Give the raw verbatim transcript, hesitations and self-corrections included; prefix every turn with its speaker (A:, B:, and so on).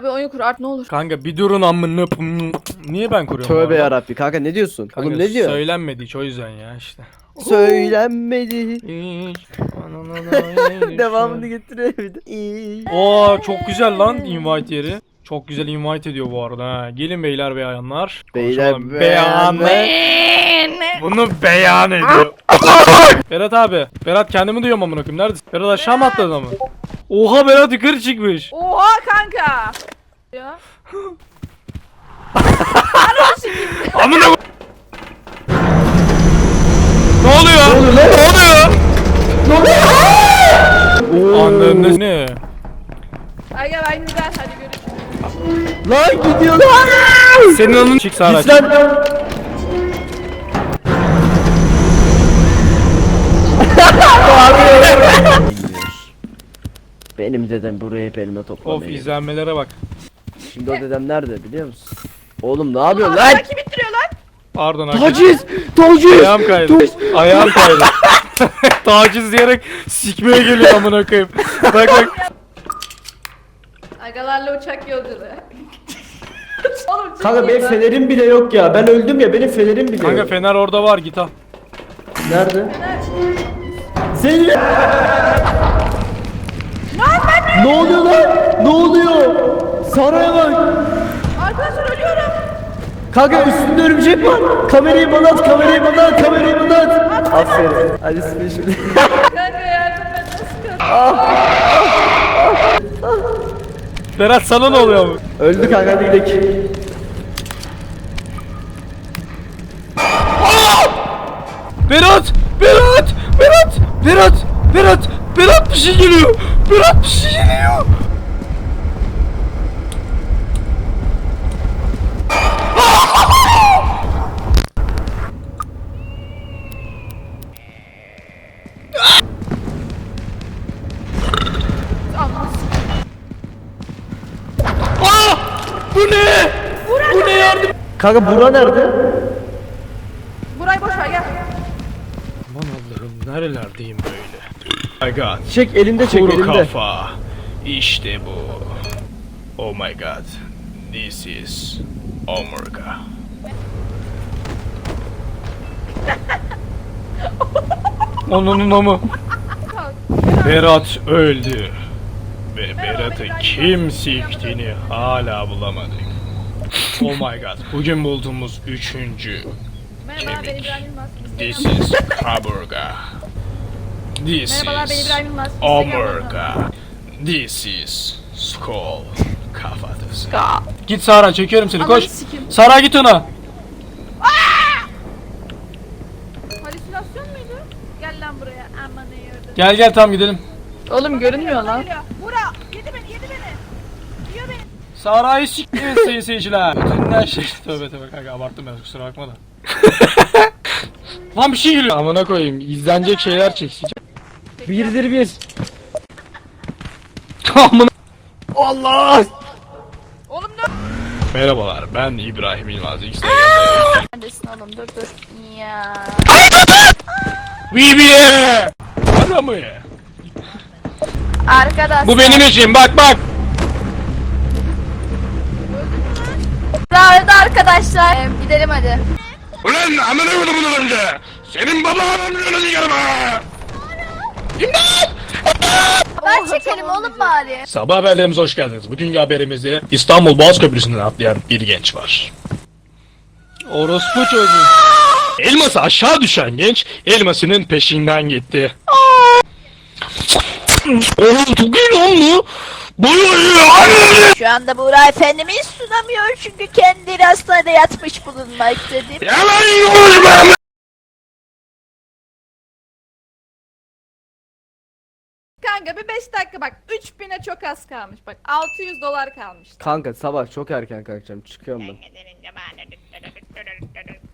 A: Bana bir oyun kur art ne olur.
B: Kanka bir durun amına. Niye ben kuruyorum?
C: Tövbe yarabbi kanka ne diyorsun?
B: Kanka,
C: Oğlum ne diyor?
B: Söylenmedi hiç o yüzden ya işte.
C: Söylenmedi.
B: Hiç.
C: Devamını getiriyor bir de. İyi.
B: Oo çok güzel lan invite yeri. Çok güzel invite ediyor bu arada ha. Gelin beyler beyanlar.
C: Beyler
B: Konuşalım. beyan.
C: beyanlar.
B: Bunu beyan ediyor. Berat abi. Berat kendimi duyuyorum amına koyayım. Neredesin? Berat aşağı mı atladı ama? Oha Berat yukarı çıkmış.
A: Oha kanka. Ya.
B: Amına ko- Ne oluyor? Ne oluyor? Ne oluyor? Anladın ne?
A: Ay gel aynı güzel hadi görüşürüz.
C: Lan gidiyor lan.
B: Senin anın çık Sara.
C: Git lan. Benim dedem buraya hep elime
B: Of
C: toplamaya.
B: izlenmelere bak.
C: Şimdi o dedem nerede biliyor musun? Oğlum ne yapıyorsun
A: Lan
C: lan?
A: kim ittiriyor lan?
B: Pardon arkadaşlar.
C: Taciz! Taciz!
B: Ayağım kaydı. Ayağım kaydı. Taciz diyerek sikmeye geliyor amına koyayım. Bak bak.
A: Agalarla uçak yolculuğu. Oğlum çok
C: Kanka
A: iyi
C: benim
A: lan.
C: fenerim bile yok ya. Ben öldüm ya benim fenerim bile
B: Kanka
C: yok.
B: fener orada var git al.
C: Nerede? Senin... Ne oluyor lan? Ne oluyor? Saraya bak.
A: Arkadaşlar ölüyorum.
C: Kanka üstünde örümcek var. Kamerayı bana at, kamerayı bana at, kamerayı bana at. Aferin. Hadi size şimdi.
A: Kanka yardım et nasıl kalk?
B: Berat sana ne oluyor mu?
C: Öldü kanka hadi gidelim.
B: Berat! Berat! Berat! Berat! Berat! Berat bir şey geliyor! Berat bir şey geliyor! Ah! Bu ne? Bu ne yardım?
C: Kanka bura nerede?
A: Burayı boş ver gel.
B: Aman Allah'ım nerelerdeyim böyle? Oh my god.
C: Çek elinde çek
B: Kuru
C: elinde.
B: kafa. İşte bu. Oh my god. This is Omega. Onun amı. Berat öldü. Ve Berat'ı kim siktiğini hala bulamadık. Oh my god. Bugün bulduğumuz üçüncü
A: Merhaba ben
B: kemik.
A: İbrahim Yılmaz.
B: This
A: Instagram'da-
B: is Kaburga. This
A: Merhabalar ben
B: is
A: İbrahim Yılmaz. Instagram'da-
B: Omega. This is Skull. Kafatası. Git Sara çekiyorum seni koş.
A: Ananı sikeyim.
B: Sara git ona.
A: Halüsinasyon muydu? Gel lan buraya. Aman ne yordun.
B: Gel gel tam gidelim.
A: Oğlum görünmüyor lan.
D: Bura yedi beni yedi beni. Yiyor beni.
B: Sara'yı sikmeyin sayın seyirciler. Bütün her şey. Tövbe tövbe kanka abarttım biraz kusura bakma da. Lan bir şey geliyor. Amına koyayım izlenecek şeyler çekeceğim. Birdir bir. Amına. Allah.
A: Oğlum ne?
B: Merhabalar ben İbrahim Yılmaz. Instagram'da.
A: Neredesin oğlum dur dur. Ya.
B: Bibiye. Adamı ya.
A: Arkadaşlar.
B: Bu benim için bak bak.
A: Öldü arkadaşlar. Ee, gidelim hadi.
B: Ulan amına koyduğumun önce. Senin babanın önünü sikerim ha.
A: Ben çekelim oğlum bari.
B: Sabah haberlerimize hoş geldiniz. Bugünkü haberimizde İstanbul Boğaz Köprüsü'nden atlayan bir genç var. Orospu çocuğu. Elması aşağı düşen genç elmasının peşinden gitti. Oğlum çok iyi lan bu. Boyu
D: Şu anda Buğra Efendimiz sunamıyor çünkü kendileri hastanede yatmış bulunmaktadır.
B: Yalan yiyoruz.
A: Kanka bir beş dakika bak. üç bine çok az kalmış. Bak altı yüz dolar kalmış.
C: Kanka sabah çok erken kalkacağım çıkıyorum ben.